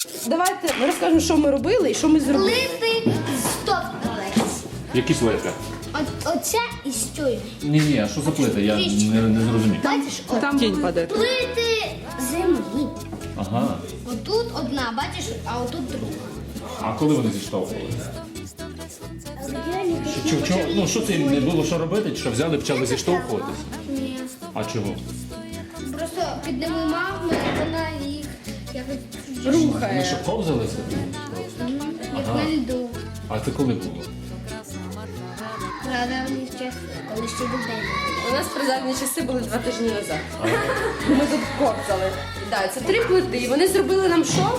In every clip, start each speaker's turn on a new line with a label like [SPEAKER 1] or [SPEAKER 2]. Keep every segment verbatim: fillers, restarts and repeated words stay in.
[SPEAKER 1] Давайте ми розкажемо, що ми робили і що ми зробили.
[SPEAKER 2] Плити стоп.
[SPEAKER 3] Які плити?
[SPEAKER 2] От, оце і стою.
[SPEAKER 3] Ні, ні, а що за плити? Я не, не зрозумів.
[SPEAKER 2] Бачиш, от.
[SPEAKER 4] Там тінь паде.
[SPEAKER 2] Плити землі.
[SPEAKER 3] Ага.
[SPEAKER 2] Отут одна, бачиш, а отут друга.
[SPEAKER 3] А коли вони зіштовхувалися? Що, що, ну, що це їм не було що робити? Чи що взяли, почали зіштовхуватися?
[SPEAKER 2] Ні.
[SPEAKER 3] А чого?
[SPEAKER 2] Просто під ними мами, вона їх якось
[SPEAKER 3] Вони
[SPEAKER 1] Рухає.
[SPEAKER 3] що, ковзалися?
[SPEAKER 2] як на льду.
[SPEAKER 3] А це коли було?
[SPEAKER 2] Правда, вони ще, коли ще людей.
[SPEAKER 1] У нас призадні часи були два тижні назад. Ми тут ковзали. Да, це три плити. І вони зробили нам що?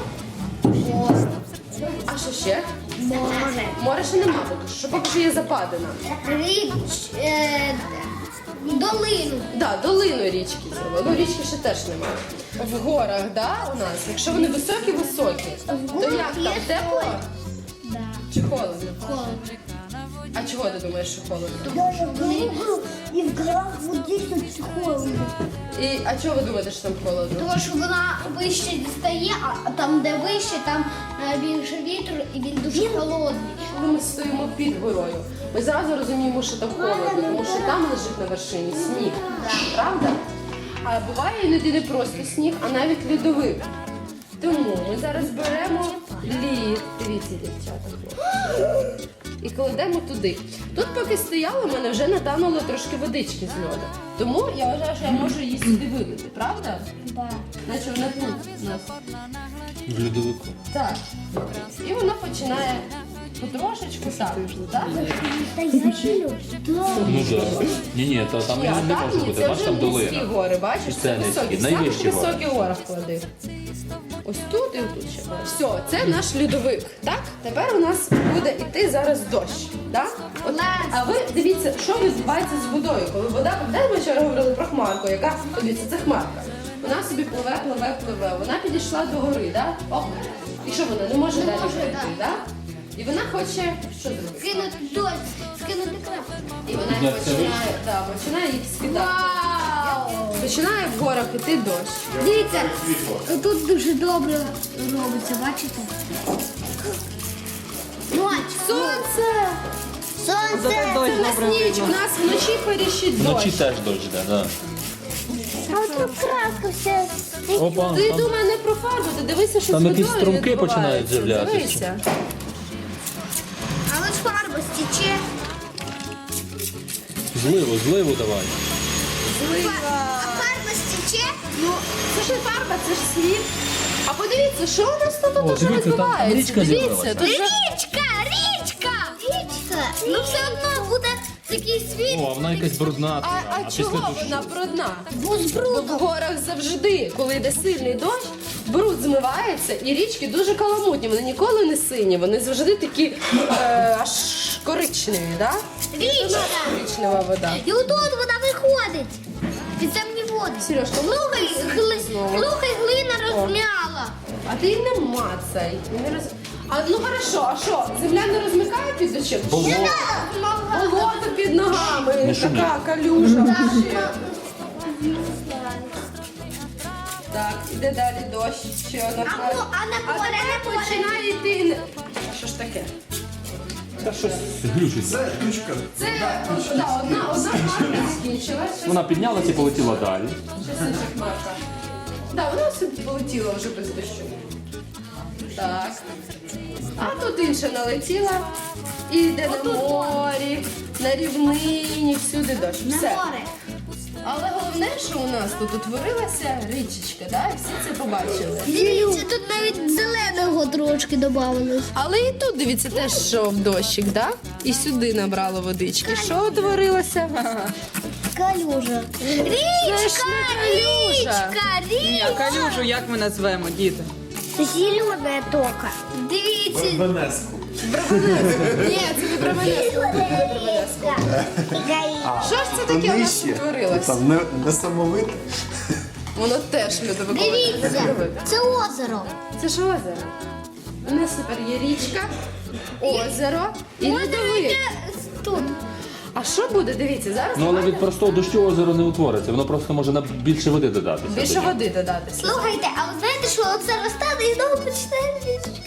[SPEAKER 1] А що ще?
[SPEAKER 2] Море.
[SPEAKER 1] Море ще нема, поки що поки що є западина.
[SPEAKER 2] Річ, е, долину.
[SPEAKER 1] Да, долину річки зробили. Ну, річки ще теж немає. В горах, да, у нас. Якщо вони високі-високі, то як там? Тепло?
[SPEAKER 2] Да.
[SPEAKER 1] Чи холодно?
[SPEAKER 2] Холодно.
[SPEAKER 1] А чого ти думаєш, що холодно?
[SPEAKER 5] Даже в горах и в горах вот здесь вот холодно.
[SPEAKER 1] І, а чого ви думаєте, що там холодно?
[SPEAKER 2] Тому що вона вище дістає, а там, де вище, там е, більше вітру і він дуже холодний.
[SPEAKER 1] Коли ми стоїмо під горою, ми зразу розуміємо, що там холодно, тому що там лежить на вершині сніг. Правда? А буває іноді не просто сніг, а навіть льодовик. Тому ми зараз беремо лід. Дивіться, дівчата. хлопці. І кладемо туди. Тут поки стояло, в мене вже натануло трошки водички з льоду. Тому я вважаю, що я можу її сюди вилити, правда?
[SPEAKER 2] Да.
[SPEAKER 1] Наче вона тут у нас.
[SPEAKER 3] В льодовику.
[SPEAKER 1] Так. І вона починає потрошечку так. так?
[SPEAKER 5] Да я силю. Да.
[SPEAKER 3] Ну так. Ні, ні, то там
[SPEAKER 1] Ні,
[SPEAKER 3] не, не
[SPEAKER 1] так,
[SPEAKER 3] може
[SPEAKER 1] ні,
[SPEAKER 3] бути.
[SPEAKER 1] це
[SPEAKER 3] Бачиш,
[SPEAKER 1] вже
[SPEAKER 3] там
[SPEAKER 1] низькі
[SPEAKER 3] долина.
[SPEAKER 1] гори, бачиш?
[SPEAKER 3] Це
[SPEAKER 1] Це
[SPEAKER 3] низькі,
[SPEAKER 1] високі.
[SPEAKER 3] найвищі
[SPEAKER 1] Самі
[SPEAKER 3] гори.
[SPEAKER 1] високі горах клади. Ось тут і тут ще. Все, це наш льодовик. Так? Тепер у нас буде йти зараз дощ. Так? От, а ви дивіться, що відбувається з водою. Коли вода, де ми вчора говорили про хмарку, яка, дивіться, це хмарка. Вона собі пливе, пливе, пливе. Вона підійшла до гори, так? Оп. І що вона? Не може далі
[SPEAKER 2] може,
[SPEAKER 1] пройти,
[SPEAKER 2] да.
[SPEAKER 1] так? І вона хоче що зробити?
[SPEAKER 2] Скинути дощ, скинути крапку.
[SPEAKER 1] І вона
[SPEAKER 3] Як це
[SPEAKER 1] починає, да, починає їх скидати.
[SPEAKER 2] Вау!
[SPEAKER 1] Починає в горах іти дощ.
[SPEAKER 2] Дивіться, тут дуже добре робиться, бачите? Ночь.
[SPEAKER 1] Сонце!
[SPEAKER 2] Сонце.
[SPEAKER 4] Зате дощ
[SPEAKER 1] Це в нас
[SPEAKER 4] добре
[SPEAKER 1] ніч,
[SPEAKER 4] видно.
[SPEAKER 1] у нас вночі періщить дощ.
[SPEAKER 3] Вночі теж дощ, так. Да.
[SPEAKER 5] А вот тут краска вся.
[SPEAKER 3] Опа,
[SPEAKER 1] Ти
[SPEAKER 3] там
[SPEAKER 1] думай не про фарбу, ти дивися, що
[SPEAKER 3] Там
[SPEAKER 1] з
[SPEAKER 3] якісь
[SPEAKER 1] водою
[SPEAKER 3] струмки
[SPEAKER 1] відбувається.
[SPEAKER 3] починають з'являтися.
[SPEAKER 1] Дивися.
[SPEAKER 2] Але ж фарба стіче.
[SPEAKER 3] зливу, зливу давай.
[SPEAKER 2] А фарба стіче?
[SPEAKER 1] Ну, це ж не фарба, це ж світ. А подивіться, що у нас тут
[SPEAKER 3] О,
[SPEAKER 1] уже
[SPEAKER 3] дивіться, там
[SPEAKER 1] відбувається.
[SPEAKER 3] річка
[SPEAKER 1] Дивіться,
[SPEAKER 3] з'явилася.
[SPEAKER 1] тут же...
[SPEAKER 2] Річка, річка! Річка! Ну все одно буде такий світ.
[SPEAKER 3] О, а вона якась брудна.
[SPEAKER 1] А,
[SPEAKER 3] така,
[SPEAKER 1] а
[SPEAKER 3] після
[SPEAKER 1] чого
[SPEAKER 3] дощу-
[SPEAKER 1] вона брудна?
[SPEAKER 2] Бо з
[SPEAKER 1] Бо в
[SPEAKER 2] брудом.
[SPEAKER 1] горах завжди, коли йде сильний дощ, бруд змивається, і річки дуже каламутні. Вони ніколи не сині, вони завжди такі е, аж коричневі, да?
[SPEAKER 2] Річка!
[SPEAKER 1] Коричнева вода.
[SPEAKER 2] І отут вона виходить. Підземні води.
[SPEAKER 1] Сережка, ну
[SPEAKER 2] Слухай, гли...
[SPEAKER 1] знову.
[SPEAKER 2] Слухай, глина розм'яла.
[SPEAKER 1] А ти її не мацай. Не роз... А ну хорошо, а що? Земля не розмикає під дощем?
[SPEAKER 3] Болото.
[SPEAKER 1] Болото під ногами,
[SPEAKER 3] Не шуміть.
[SPEAKER 1] така калюжа. вообще. Так, іде далі дощ. Ще одна
[SPEAKER 2] А,
[SPEAKER 1] хмара.
[SPEAKER 2] ну, а на
[SPEAKER 1] А
[SPEAKER 2] поле,
[SPEAKER 1] тепер
[SPEAKER 2] на поле.
[SPEAKER 1] починає йти. не- А що ж таке?
[SPEAKER 3] Та щось глючиться.
[SPEAKER 1] Це да, одна, одна хмарка скінчилась. Щас-
[SPEAKER 3] Вона піднялася і полетіла далі.
[SPEAKER 1] щас інша хмарка. Да, вона собі полетіла вже без дощу. Так. А тут інша налетіла. І йде на морі, на рівнині, всюди дощ.
[SPEAKER 2] На
[SPEAKER 1] Все.
[SPEAKER 2] море.
[SPEAKER 1] Але головне, що у нас тут утворилася річечка, да? І всі це побачили.
[SPEAKER 2] Дивіться, тут навіть зеленого трошки додавалось.
[SPEAKER 1] Але і тут, дивіться, теж йшов дощик, да? І сюди набрало водички. Що утворилося?
[SPEAKER 5] Калюжа.
[SPEAKER 2] Річка,
[SPEAKER 1] калюжа.
[SPEAKER 2] річка,
[SPEAKER 4] Ні, а
[SPEAKER 2] річка.
[SPEAKER 4] калюжу як ми назвемо, діти?
[SPEAKER 5] Зеленая тока.
[SPEAKER 2] Дивіться,
[SPEAKER 1] Ні, це не Бровенецьку. Що ж це таке у нас утворилося?
[SPEAKER 6] Там не, не самовите.
[SPEAKER 1] Воно теж льодовикове.
[SPEAKER 2] дивіться, це озеро.
[SPEAKER 1] Це ж озеро. У нас тепер є річка, озеро і льодовик.
[SPEAKER 2] Тут.
[SPEAKER 1] А що буде? Дивіться, зараз
[SPEAKER 3] Ну але
[SPEAKER 1] давайте
[SPEAKER 3] від простого дощу озеро не утвориться, воно просто може на більше води додатися.
[SPEAKER 1] більше води додати.
[SPEAKER 2] Слухайте, а ви знаєте, що оце розтане і знову почне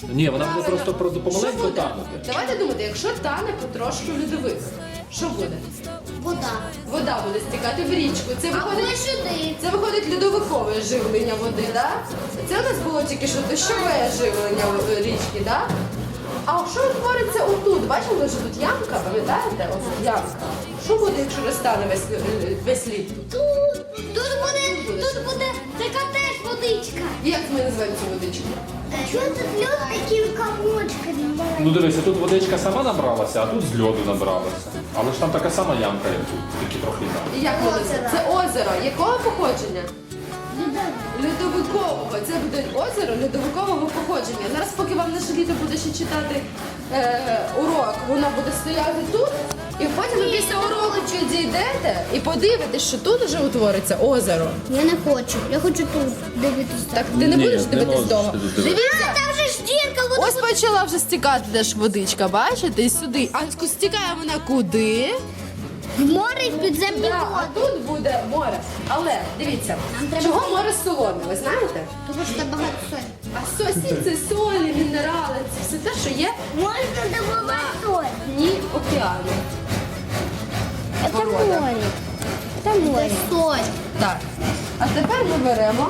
[SPEAKER 3] Ні, вона буде просто про-
[SPEAKER 1] Що
[SPEAKER 3] помаленьку
[SPEAKER 1] буде?
[SPEAKER 3] танути.
[SPEAKER 1] Давайте думати, якщо тане потрошку льодовик, що буде?
[SPEAKER 2] Вода.
[SPEAKER 1] Вода буде стікати в річку. Це
[SPEAKER 2] Або
[SPEAKER 1] виходить,
[SPEAKER 2] сюди.
[SPEAKER 1] це виходить льодовикове живлення води, да? Це у нас було тільки що дощове живлення е, річки, да? А що утвориться отут? Бачили, що тут ямка, пам'ятаєте? Ось тут ямка. Що буде, якщо розтане весь, лю- весь лід тут?
[SPEAKER 2] Тут, тут буде, тут буде така теж водичка.
[SPEAKER 1] Як ми називаємо цю водичку?
[SPEAKER 5] Чого тут лед такими комочками маленькими?
[SPEAKER 3] Ну дивися, тут водичка сама набралася, а тут з льоду набралася. Але ж там така сама ямка, як тут, тільки трохи інакше.
[SPEAKER 1] І як ми називаємо? Це озеро. Якого походження? Льодовикового. Це буде озеро льодовикового походження. Зараз, поки вам наше літо буде ще читати е, урок, воно буде стояти тут, і потім ви після уроку дійдете і подивитесь, що тут вже утвориться озеро.
[SPEAKER 2] Я не хочу. Я хочу тут дивитися.
[SPEAKER 1] Так ти не
[SPEAKER 3] Ні,
[SPEAKER 1] будеш
[SPEAKER 3] не
[SPEAKER 1] дивитись
[SPEAKER 3] можеш
[SPEAKER 1] довго.
[SPEAKER 3] ти тут дивитись.
[SPEAKER 1] Дивіться,
[SPEAKER 2] Там же ж дірка, вода.
[SPEAKER 1] ось почала вже стікати теж водичка, бачите, і сюди. А стікає вона куди?
[SPEAKER 2] В море і в підземні
[SPEAKER 1] Да, а
[SPEAKER 2] води.
[SPEAKER 1] тут буде море. Але дивіться,
[SPEAKER 2] Нам треба
[SPEAKER 1] чого
[SPEAKER 2] зайти.
[SPEAKER 1] море солоне, ви знаєте?
[SPEAKER 2] Тому що там багато солі.
[SPEAKER 1] А сосі це солі, мінерали, це все те, що є
[SPEAKER 5] Можно добывать соль.
[SPEAKER 1] в дні океану.
[SPEAKER 5] Это
[SPEAKER 1] Порода.
[SPEAKER 5] море. Это море.
[SPEAKER 2] Соль.
[SPEAKER 1] Так. А тепер ми беремо.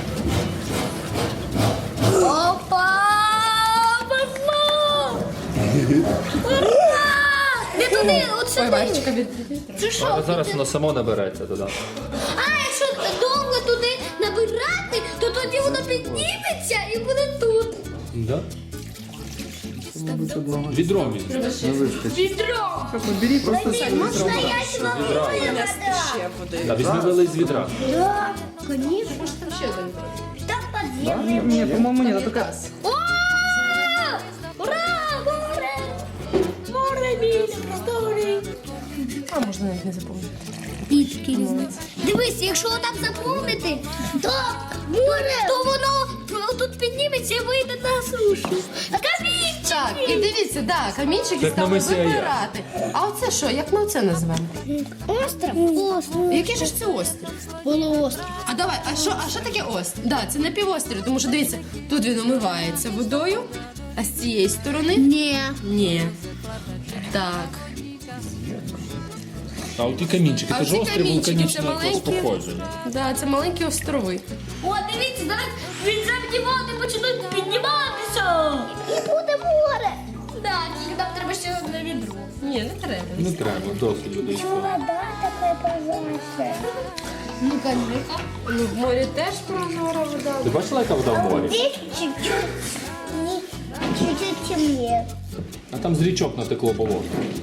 [SPEAKER 2] Опа! Пошло! Ура! Не туди, от
[SPEAKER 1] Ой,
[SPEAKER 2] сюди.
[SPEAKER 1] Варечка, від...
[SPEAKER 2] Це що?
[SPEAKER 3] Але зараз воно само набереться туди.
[SPEAKER 2] А якщо довго туди набирати, то тоді воно підніметься і буде тут.
[SPEAKER 3] Да? Відром візьми.
[SPEAKER 2] Відро.
[SPEAKER 5] Можно я
[SPEAKER 3] Відра.
[SPEAKER 1] ще води.
[SPEAKER 3] Да, візьми вели з відра.
[SPEAKER 5] Да, конечно.
[SPEAKER 1] Може там ще один.
[SPEAKER 5] Там подземный.
[SPEAKER 4] Ні, по-моєму, ні.
[SPEAKER 1] Там
[SPEAKER 4] Тільки
[SPEAKER 1] газ.
[SPEAKER 2] О! Ура! Море! Море більше історії.
[SPEAKER 1] А можна навіть не запомнити.
[SPEAKER 2] Пічки різні. Дивись, якщо отак заповнити, то море, то воно тут підніметься і вийде на сушу. А камінчики!
[SPEAKER 1] Так, і дивіться, да, камінчики
[SPEAKER 3] Як на
[SPEAKER 1] стали
[SPEAKER 3] мисі Ая.
[SPEAKER 1] вибирати. А оце що? Як ми оце називаємо?
[SPEAKER 2] Остров. Остров.
[SPEAKER 1] Який же ж це острів?
[SPEAKER 2] Полуостров.
[SPEAKER 1] А давай, а що, а що таке острів? Да, це напівострів, тому що дивіться, тут він омивається водою, а з цієї сторони
[SPEAKER 2] Ні.
[SPEAKER 1] ні. Так.
[SPEAKER 3] А от ті камінчики,
[SPEAKER 1] А
[SPEAKER 3] це ж
[SPEAKER 1] оці
[SPEAKER 3] острів
[SPEAKER 1] камінчики, це
[SPEAKER 3] вулканічного якогось
[SPEAKER 1] маленькі.
[SPEAKER 3] походження.
[SPEAKER 1] Да, це маленькі острови.
[SPEAKER 2] О, дивіться, зараз підземні води почнуть підніматися. І буде море. Так, тільки нам треба ще одне відро.
[SPEAKER 1] Ні, не треба.
[SPEAKER 3] Не треба, досить людей.
[SPEAKER 5] Вода такая прозрачная.
[SPEAKER 2] Ну, кажи.
[SPEAKER 1] Ну, в морі теж прозора вода.
[SPEAKER 3] Ти бачила, яка вода в морі?
[SPEAKER 5] Здесь чуть-чуть, не- чуть-чуть темнее.
[SPEAKER 3] А там з річок натекло болото.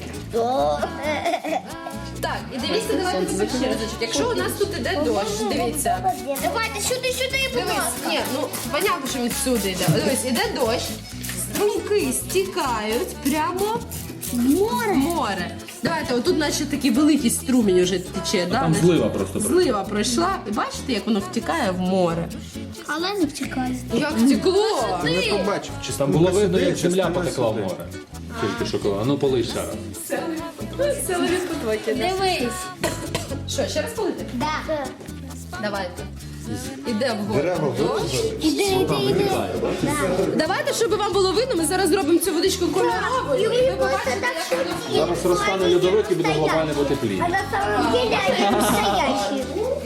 [SPEAKER 1] Так, і дивіться, давайте тепер ще разочок. Якщо у нас тут іде дощ, дивіться.
[SPEAKER 2] Давайте сюди, сюди, будь
[SPEAKER 1] Дивись,
[SPEAKER 2] ласка.
[SPEAKER 1] ні, ну понятно, що він всюди йде. Дивись, іде дощ, струмки стікають прямо в море. море. Давайте, отут наче такий великий струмінь уже тече, да?
[SPEAKER 3] Там злива просто пройшла.
[SPEAKER 1] Злива пройшла. І бачите, як воно втікає в море?
[SPEAKER 2] Але не втікає.
[SPEAKER 1] Як втекло?
[SPEAKER 6] Не побачив, чи
[SPEAKER 3] Там було видно, як
[SPEAKER 6] сюди,
[SPEAKER 3] земля
[SPEAKER 6] чи
[SPEAKER 3] потекла в
[SPEAKER 6] сюди.
[SPEAKER 3] море. Тільки що коли. А ну полий ще раз.
[SPEAKER 1] Силові потоки. да?
[SPEAKER 2] Дивись.
[SPEAKER 1] Що, ще раз полити?
[SPEAKER 2] Да.
[SPEAKER 1] Давайте. Іде вгору
[SPEAKER 6] Дерева
[SPEAKER 1] дощ.
[SPEAKER 2] Іди, іди, іди.
[SPEAKER 1] Давайте, щоб вам було видно, ми зараз зробимо цю водичку кольоровою. І ви побачите, як воно
[SPEAKER 3] Зараз розтане льодовик і буде глобальне потепління.
[SPEAKER 5] А на самом деле они настоящие.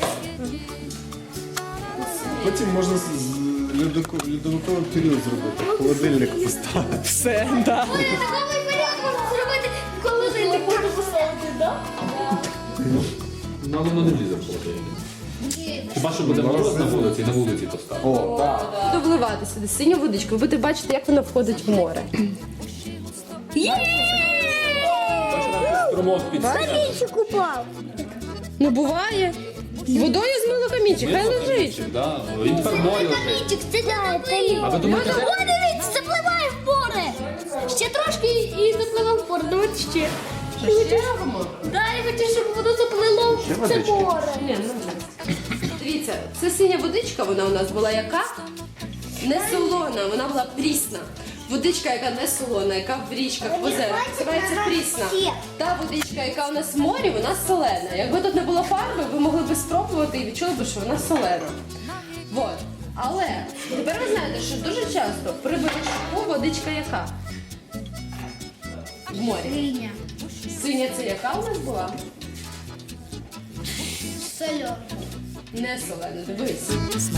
[SPEAKER 6] Потім можна з з льодоко- льодовиковий період зробити. Холодильник поставити.
[SPEAKER 4] все, да.
[SPEAKER 2] Ой, такий період можна зробити, коли ти не можеш поставити, так?
[SPEAKER 3] Ну, але воно не влізе в холодильник. Хіба що буде мороз на вулиці, на вулиці поставити.
[SPEAKER 6] О, так.
[SPEAKER 1] Буду вливати сюди синю водичку, ви будете бачити, як вона входить в море.
[SPEAKER 3] Струмок під
[SPEAKER 5] Каменчик упал.
[SPEAKER 1] Ну буває. Водою змило камінчик, хай лежить.
[SPEAKER 3] Да, він тепер в морі лежить.
[SPEAKER 2] Камінчик, це заплив.
[SPEAKER 3] А ви думаєте, де?
[SPEAKER 2] О, дивіться, запливає в море. Ще трошки і запливе в море. Давайте ще.
[SPEAKER 1] Ще робимо?
[SPEAKER 2] Да, я хочу, щоб воно заплило в це
[SPEAKER 6] водички?
[SPEAKER 2] море.
[SPEAKER 1] Ні, ну вже. Дивіться, це синя водичка, вона у нас була яка? Не солона, вона була прісна. Водичка, яка не солона, яка в річках, в озерах, називається прісна. Та водичка, яка у нас в морі, вона солена. Якби тут не було фарби, ви могли б спробувати і відчули б, що вона солена. Вот. Але тепер ви знаєте, що дуже часто при вершку водичка яка? В морі.
[SPEAKER 2] Синя.
[SPEAKER 1] Синя це яка у нас була?
[SPEAKER 2] Сольона.
[SPEAKER 1] Не солена, дивись.